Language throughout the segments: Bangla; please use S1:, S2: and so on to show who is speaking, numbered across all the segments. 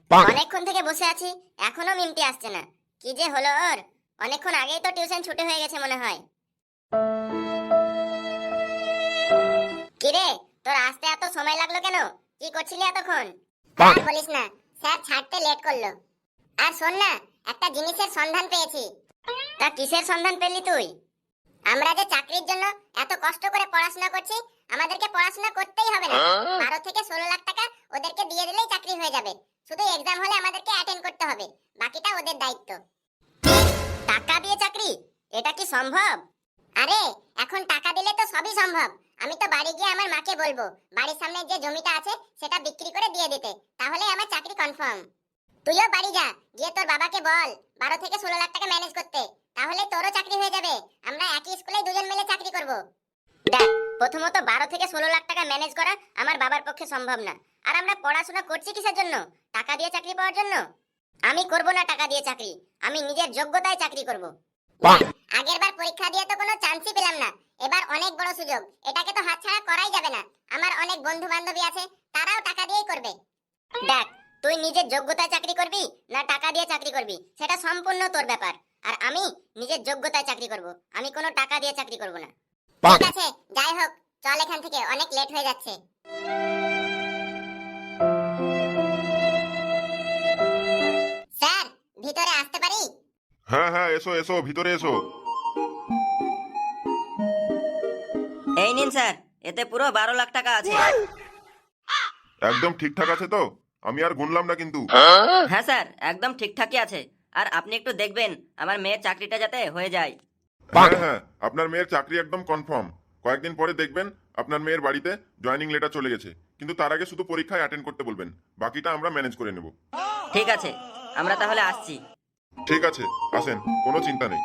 S1: অনেকক্ষণ থেকে বসে আছি, এখনো মিমটি আসছে না। কি যে হলো ওর? অনেকক্ষণ আগেই তো টিউশন ছুটি হয়ে গেছে মনে হয়। কিরে, তোর আসতে এত সময় লাগলো কেন? কি করছিলি এতক্ষণ? আর বলিস না, স্যার ছাড়তে লেট করলো। আর শোন না, একটা জিনিসের সন্ধান পেয়েছি। তা কিসের সন্ধান পেলি তুই? আমরা যে চাকরির জন্য এত কষ্ট করে পড়াশোনা করছি, আমাদেরকে পড়াশোনা করতেই হবে না। 12 থেকে 16 লাখ টাকা ওদেরকে দিয়ে দিলেই চাকরি হয়ে যাবে। শুধু এক্সাম হলে আমাদেরকে অ্যাটেন্ড করতে হবে, বাকিটা ওদের দায়িত্ব। টাকা দিয়ে চাকরি? এটা কি সম্ভব? আরে এখন টাকা দিলে তো সবই সম্ভব। আমি তো বাড়ি গিয়ে আমার মাকে বলবো বাড়ির সামনে যে জমিটা আছে সেটা বিক্রি করে দিয়ে দিতে, তাহলে আমার চাকরি কনফার্ম। তুইও বাড়ি যা, গিয়ে তোর বাবাকে বল 12 থেকে 16 লাখ টাকা ম্যানেজ করতে, তাহলে তোরও চাকরি হয়ে যাবে। আমরা একই স্কুলে দুজন মিলে চাকরি করব। দেখ, প্রথমত 12 থেকে 16 লাখ টাকা ম্যানেজ করা আমার বাবার পক্ষে সম্ভব না। আর আমরা পড়াশোনা করছি কিসের জন্য? টাকা দিয়ে চাকরি পাওয়ার জন্য? আমি করব না টাকা দিয়ে চাকরি, আমি নিজের যোগ্যতায় চাকরি করব। আগেরবার পরীক্ষা দিয়ে তো কোনো চান্সই পেলাম না, এবার অনেক বড় সুযোগ, এটাকে তো হাতছাড়া করাই যাবে না। আমার অনেক বন্ধু বান্ধবী আছে, তারাও টাকা দিয়েই করবে। দেখ, তুই নিজের যোগ্যতায় চাকরি করবি না টাকা দিয়ে চাকরি করবি সেটা সম্পূর্ণ তোর ব্যাপার। আর আমি নিজের যোগ্যতায় চাকরি করব, আমি কোনো টাকা দিয়ে চাকরি করব না। ঠিক আছে, যাই হোক, চল এখান থেকে, অনেক লেট হয়ে যাচ্ছে। স্যার, ভিতরে আসতে পারি?
S2: হ্যাঁ হ্যাঁ, এসো এসো, ভিতরে এসো।
S3: এই নিন স্যার, এতে পুরো 12 লাখ টাকা আছে।
S2: একদম ঠিকঠাক আছে তো? আমি আর গুনলাম না কিন্তু।
S3: হ্যাঁ স্যার, একদম ঠিকঠাকই আছে। আর আপনি একটু দেখবেন আমার মেয়ের চাকরিটা যাতে হয়ে যায়।
S2: হ্যাঁ হ্যাঁ, আপনার মেয়ের চাকরি একদম কনফার্ম। কয়েকদিন পরে দেখবেন আপনার মেয়ের বাড়িতে জয়েনিং লেটার চলে গেছে। কিন্তু তার আগে শুধু পরীক্ষায় অ্যাটেন্ড করতে বলবেন, বাকিটা আমরা ম্যানেজ করে নেব।
S3: ঠিক আছে, আমরা তাহলে আসছি।
S2: ঠিক আছে, আসেন, কোনো চিন্তা নেই।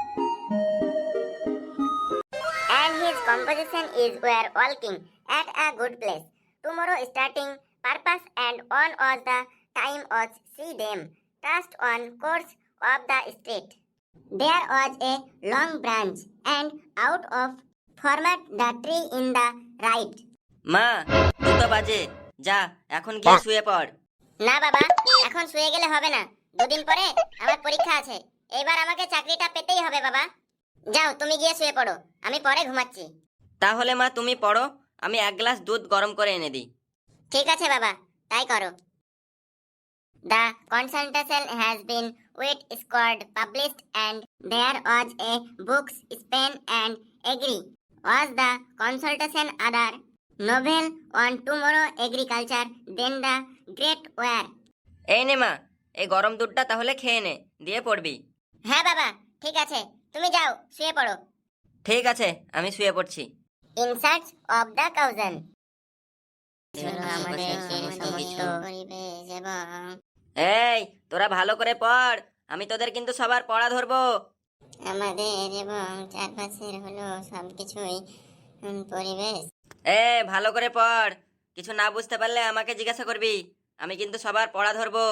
S1: And his composition is were walking at a good place. Tomorrow starting purpose and on was the time was see them trust on course of the street. There was a long branch and out of format the tree in the right.
S3: মা, 2টা বাজে, যা এখন গিয়ে শুয়ে পড়।
S1: না বাবা, এখন শুয়ে গেলে হবে না। দুদিন পরে আমার পরীক্ষা আছে, এবার আমাকে চাকরিটা পেতেই হবে বাবা। যাও, তুমি গিয়ে শুয়ে পড়ো, আমি পরে ঘুমাচ্ছি।
S3: তাহলে মা তুমি পড়ো, আমি 1 গ্লাস দুধ গরম করে এনে দিই।
S1: ঠিক আছে বাবা, তাই করো। The consultation has been with scored published and there was a books Spain and agree was the consultation other novel on tomorrow agriculture then the great war.
S3: এই নে মা, এই গরম দুধটা তাহলে খেয়ে নে, দিয়ে পড়বি।
S1: হ্যাঁ বাবা, ঠিক আছে, তুমি যাও শুয়ে পড়ো।
S3: ঠিক আছে, আমি শুয়ে পড়ছি।
S1: In search of the thousand.
S3: এই, তোরা ভালো করে পড়, আমি তোদের কিন্তু সবার পড়া ধরবো।
S1: আমাদের এবং চারপাশের হলো সবকিছুই পরিবেশ।
S3: ভালো করে পড়, কিছু না বুঝতে পারলে আমাকে জিজ্ঞাসা করবি, আমি কিন্তু সবার পড়া ধরবো।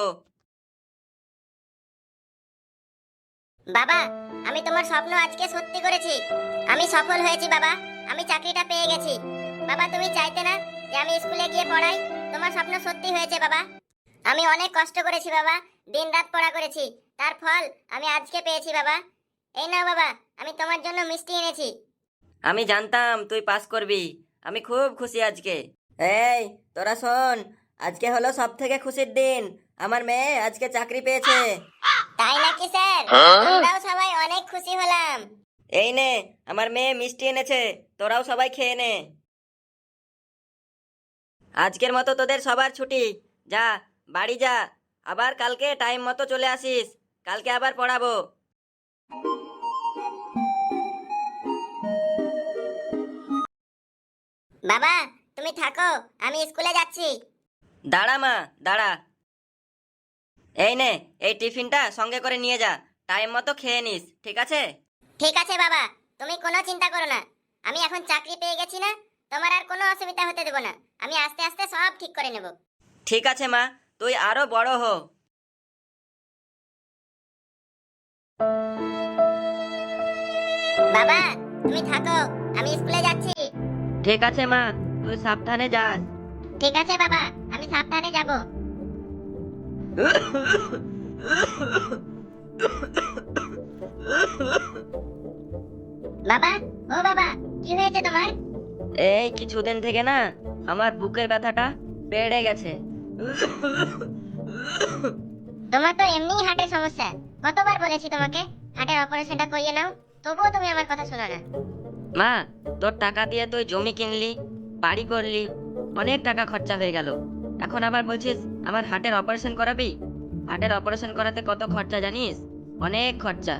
S1: বাবা, আমি তোমার স্বপ্ন আজকে সত্যি করেছি। আমি সফল হয়েছি বাবা, আমি চাকরিটা পেয়ে গেছি। বাবা, তুমি চাইতে না যে আমি স্কুলে গিয়ে পড়াই? তোমার স্বপ্ন সত্যি হয়েছে বাবা। আমি অনেক কষ্ট করেছি বাবা, দিনরাত পড়া করেছি, তার ফল আমি আজকে পেয়েছি বাবা। এই নাও বাবা, আমি তোমার জন্য মিষ্টি এনেছি।
S3: আমি জানতাম তুই পাস করবি, আমি খুব খুশি আজকে। এই তোরা শোন, আজকে হলো সব থেকে খুশির দিন, আমার মেয়ে আজকে চাকরি পেয়েছে।
S1: তাই নাকি স্যার? আমরাও সবাই অনেক খুশি হলাম।
S3: এই নে, আমার মেয়ে মিষ্টি এনেছে, তোরাও সবাই খেয়ে নে। আজকের মতো তোদের সবার ছুটি, যা বাড়ি যা, আবার কালকে টাইম মতো চলে আসিস, কালকে আবার পড়াবো।
S1: বাবা, তুমি থাকো, আমি স্কুলে যাচ্ছি।
S3: দাঁড়া মা, দাঁড়া। এই নে, এই টিফিনটা সঙ্গে করে নিয়ে যা, টাইম মতো খেয়ে নিস, ঠিক আছে?
S1: ঠিক আছে বাবা, তুমি কোনো চিন্তা করো না। আমি এখন চাকরি পেয়ে গেছি না, তোমার আর কোনো অসুবিধা হতে দেব না। আমি আস্তে আস্তে সব ঠিক করে নেব।
S3: ঠিক আছে মা, তুই আরো বড় হ।
S1: বাবা, তুমি থাকো, আমি স্কুলে যাচ্ছি।
S3: ঠিক আছে মা, তুই সাবধানে যাস।
S1: ঠিক আছে বাবা, আমি সাবধানে যাব। বাবা, ও বাবা, কি হয়েছে তোমার?
S3: এই কিছুদিন থেকে না আমার বুকের ব্যথাটা বেড়ে গেছে।
S1: তোমার তো এমনিই হার্টের সমস্যা। কতবার বলেছি তোমাকে হার্টের অপারেশনটা করিয়ে নাও, তবুও তুমি আমার কথা শোনো না।
S3: মা, তোর টাকা দিয়ে তুই জমি কিনলি, বাড়ি করলি, অনেক টাকা খরচা হয়ে গেল। এখন আবার বলছিস আমার হার্টের অপারেশন করাবি? হার্টের অপারেশন করাতে কত খরচা জানিস? অনেক খরচা।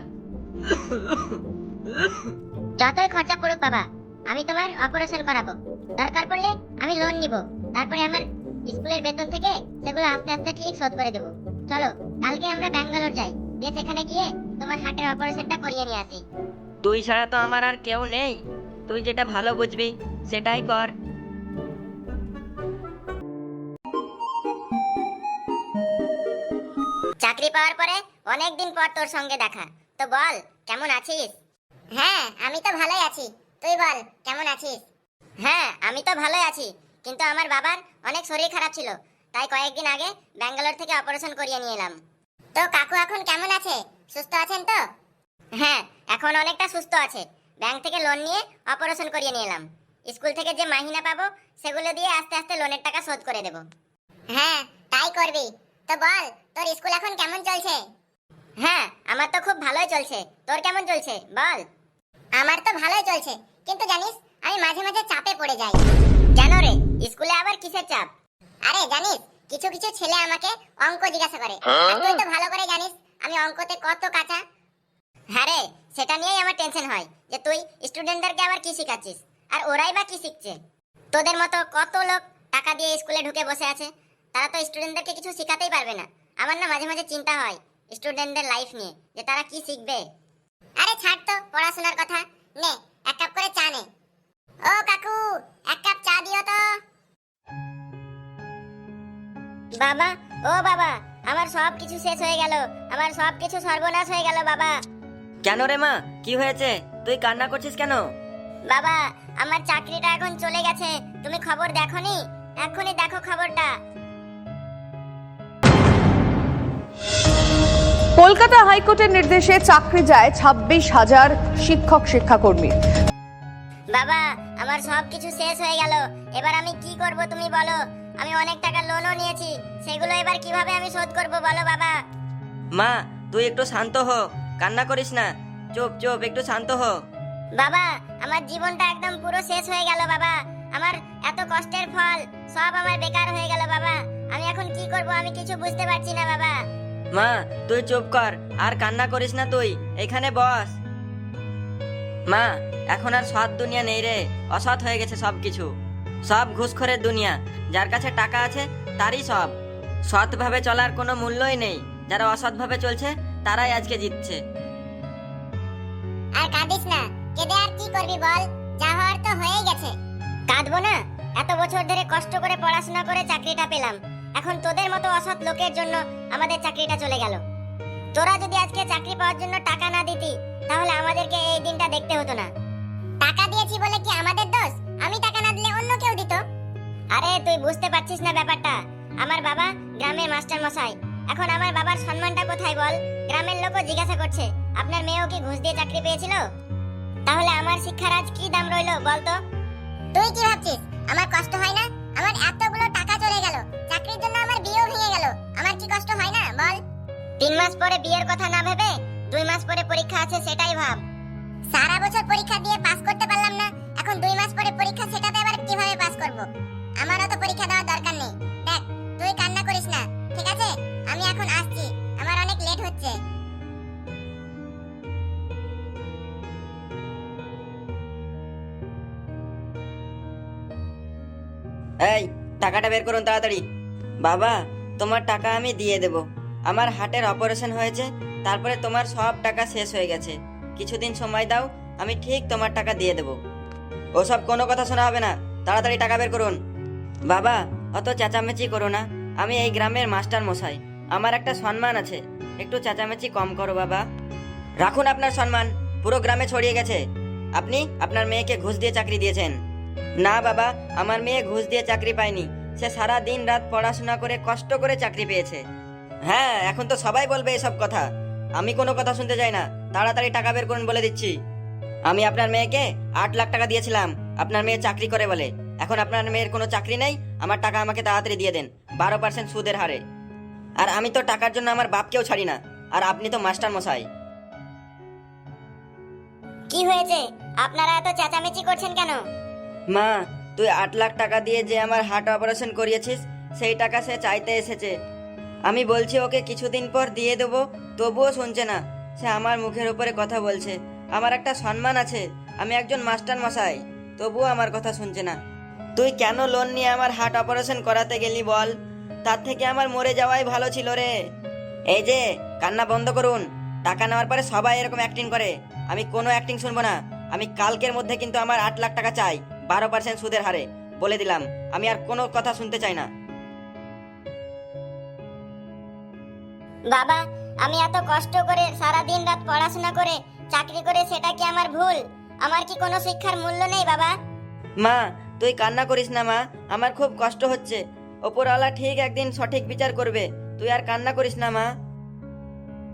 S1: যতই খরচা পড়ুক বাবা, আমি তোমার অপারেশন করাবো। দরকার পড়লে আমি লোন নিব, তারপরে আমার স্কুলের বেতন থেকে সেগুলো আস্তে আস্তে ঠিক শোধ করে দেবো। চলো কালকে আমরা ব্যাঙ্গালোর যাই, দিয়ে সেখানে গিয়ে তোমার হার্টের অপারেশনটা করিয়ে নিয়ে আসি।
S3: তুই ছাড়া তো আমার আর কেউ নেই। তুই যেটা ভালো বুঝবি সেটাই কর।
S1: চাকরি পাওয়ার পরে অনেক দিন পর তোর সঙ্গে দেখা, তো বল কেমন আছিস? হ্যাঁ আমি তো ভালোই আছি, তুই বল কেমন আছিস? হ্যাঁ আমি তো ভালোই আছি, কিন্তু আমার বাবার অনেক শরীর খারাপ ছিল, তাই কয়েকদিন আগে ব্যাঙ্গালোর থেকে অপারেশন করিয়ে নিয়ে এলাম। তো কাকু এখন কেমন আছে? সুস্থ আছেন তো? হ্যাঁ এখন অনেকটা সুস্থ আছে। ব্যাংক থেকে লোন নিয়ে অপারেশন করিয়ে নিয়ে এলাম। স্কুল থেকে যে মাহিনা পাবো সেগুলো দিয়ে আস্তে আস্তে লোনের টাকা শোধ করে দেব। হ্যাঁ তাই করবি। তো বল তোর স্কুল এখন কেমন চলছে? হ্যাঁ আমার তো খুব ভালোই চলছে, তোর কেমন চলছে বল? আমার তো ভালোই চলছে, কিন্তু জানিস আমি মাঝে মাঝে চাপে পড়ে যাই। কেন রে, স্কুলে আবার কিসের চাপ? আরে জানিস কিছু কিছু ছেলে আমাকে অঙ্ক জিজ্ঞাসা করে, আর তুই তো ভালো করে জানিস আমি অঙ্কতে কত কাঁচা। হ্যাঁ রে, সেটা নিয়েই আমার টেনশন হয় যে তুই স্টুডেন্টদেরকে আবার কি শেখাচ্ছিস, আর ওরাই বা কি শিখছে। তোদের মতো কত লোক টাকা দিয়ে স্কুলে ঢুকে বসে আছে, তারা তো স্টুডেন্টদেরকে কিছু শেখাতেই পারবে না। আমার না মাঝে মাঝে চিন্তা হয় স্টুডেন্টদের লাইফ নিয়ে, যে তারা কি শিখবে। আরে ছাড় তো পড়াশোনার কথা, নে এক কাপ করে চা নে। ও কাকু, এক কাপ চা দিও তো। বাবা, ও বাবা, আমার সব কিছু শেষ হয়ে গেল, আমার সব কিছু সর্বনাশ হয়ে গেল বাবা।
S3: কেন রে মা, কি হয়েছে? তুই কান্না করছিস কেন?
S1: বাবা আমার চাকরিটা এখন চলে গেছে, তুমি খবর দেখোনি? এখনই দেখো খবরটা।
S4: কলকাতা হাইকোর্টের নির্দেশে চাকরি যায় 26,000 শিক্ষক শিক্ষাকর্মীর।
S1: বাবা আমার সব কিছু শেষ হয়ে গেল, এবার আমি কি করব তুমি বলো? আমি অনেক টাকা লোনও নিয়েছি, সেগুলো এবার কিভাবে আমি শোধ করব বলো বাবা?
S3: মা তুই একটু শান্ত হ, কান্না করিস না। চুপ চুপ, একটু শান্ত হ।
S1: বাবা আমার জীবনটা একদম পুরো শেষ হয়ে গেল বাবা, আমার এত কষ্টের ফল সব আমার বেকার হয়ে গেল বাবা। আমি এখন কি করব আমি কিছু বুঝতে পারছি না বাবা।
S3: মা তুই চুপ কর, আর কান্না করিস না, তুই এখানে বস। মা এখন আর সৎ দুনিয়া নেই রে, অসৎ হয়ে গেছে সব কিছু। সব ঘুষখোরের দুনিয়া, যার কাছে টাকা আছে তারই সব। সৎভাবে চলার কোনো মূল্যই নেই, যারা অসৎভাবে চলছে তারাই আজকে জিতছে।
S1: আর কাঁদিস না, কেঁদে আর কি করবি বল, যা হওয়ার তো হয়েই গেছে। কাঁদবো না? এত বছর ধরে কষ্ট করে পড়াশোনা করে চাকরিটা পেলাম, এখন তোদের মতো অসৎ লোকের জন্য আমাদের চাকরিটা চলে গেল। তোরা যদি আজকে চাকরি পাওয়ার জন্য টাকা না দিতি, তাহলে আমাদেরকে এই দিনটা দেখতে হতো না। টাকা দিয়েছি বলে কি আমাদের দোষ? আমি টাকা না দিলে অন্য কেউ দিত। আরে তুই বুঝতে পারছিস না ব্যাপারটা। আমার বাবা গ্রামের মাস্টার মশাই, এখন আমার বাবার সম্মানটা কোথায় বল? গ্রামের লোকও জিজ্ঞাসা করছে আপনার মেয়েও কি ঘুষ দিয়ে চাকরি পেয়েছিল? তাহলে আমার শিক্ষার আজ কি দাম রইলো বলতো? তুই কি ভাবছিস আমার কষ্ট হয় না? আমার এতগুলো টাকা চলে গেল, চাকরির জন্য আমার বিয়েও ভেঙে গেল, আমার কি কষ্ট হয় না বল? 3 মাস পরে বিয়ের কথা না ভেবে 2 মাস পরে পরীক্ষা আছে সেটাই ভাব। সারা বছর পরীক্ষা দিয়ে পাস করতে পারলাম না, এখন 2 মাস পরে পরীক্ষা, সেটাতে আবার কিভাবে পাস করব? আমারও তো পরীক্ষা দেওয়ার দরকার নেই। দেখ তুই কান্না করিস না, ঠিক আছে? আমি এখন আসছি, আমার অনেক লেট হচ্ছে।
S3: এই টাকাটা বের করুন তাড়াতাড়ি। বাবা তোমার টাকা আমি দিয়ে দেব। আমার হার্টের অপারেশন হয়েছে, তারপরে তোমার সব টাকা শেষ হয়ে গেছে। কিছুদিন সময় দাও, আমি ঠিক তোমার টাকা দিয়ে দেব। ওসব কোনো কথা শোনা হবে না, তাড়াতাড়ি টাকা বের করুন। বাবা অত চেঁচামেচি করো না, আমি এই গ্রামের মাস্টার মশাই, আমার একটা সম্মান আছে, একটু চেঁচামেচি কম করো বাবা। রাখুন আপনার সম্মান, পুরো গ্রামে ছড়িয়ে গেছে আপনি আপনার মেয়েকে ঘুষ দিয়ে চাকরি দিয়েছেন। না বাবা, আমার মেয়ে ঘুষ দিয়ে চাকরি পায়নি, সে সারা দিন রাত পড়াশোনা করে কষ্ট করে চাকরি পেয়েছে। হ্যাঁ, এখন তো সবাই বলবে এসব কথা। আমি কোনো কথা শুনতে চাই না, তাড়াতাড়ি টাকা বের করুন বলে দিচ্ছি। আমি আপনার মেয়েকে 8 লাখ টাকা দিয়েছিলাম আপনার মেয়ে চাকরি করে বলে। এখন আপনার মেয়ের কোনো চাকরি নেই, আমার টাকা আমাকে তাড়াতাড়ি দিয়ে দেন 12% সুদের হারে। আর আমি তো টাকার জন্য আমার বাপকেও ছাড়ি না, আর আপনি তো মাস্টার মশাই।
S1: কি হয়েছে, আপনারা এত চেঁচামেচি করছেন কেন?
S3: মা, তুই 8 লাখ টাকা দিয়ে যে আমার হার্ট অপারেশন করিয়েছিস সেই টাকা সে চাইতে এসেছে। আমি বলছি ওকে কিছুদিন পর দিয়ে দেবো, তবুও শুনছে না। সে আমার মুখের উপরে কথা বলছে। আমার একটা সম্মান আছে, আমি একজন মাস্টার মশাই, তবুও আমার কথা শুনছে না। তুই কেন লোন নিয়ে আমার হার্ট অপারেশন করাতে গেলি বল? তার থেকে আমার মরে যাওয়াই ভালো ছিল রে। এই যে, কান্না বন্ধ করুন। টাকা নেওয়ার পরে সবাই এরকম অ্যাক্টিং করে, আমি কোনো অ্যাক্টিং শুনবো না। আমি কালকের মধ্যে কিন্তু আমার 8 লাখ টাকা চাই 12% সুদের হারে, বলে দিলাম। আমি আর কোনো কথা শুনতে চাই না।
S1: বাবা, আমি এত কষ্ট করে সারা দিন রাত পড়াশোনা করে চাকরি করে, সেটা কি আমার ভুল? আমার কি কোনো শিক্ষার মূল্য নেই বাবা?
S3: মা, তুই কান্না করিস না মা, আমার খুব কষ্ট হচ্ছে। ওপরওয়ালা ঠিক একদিন সঠিক বিচার করবে, তুই আর কান্না করিস না মা।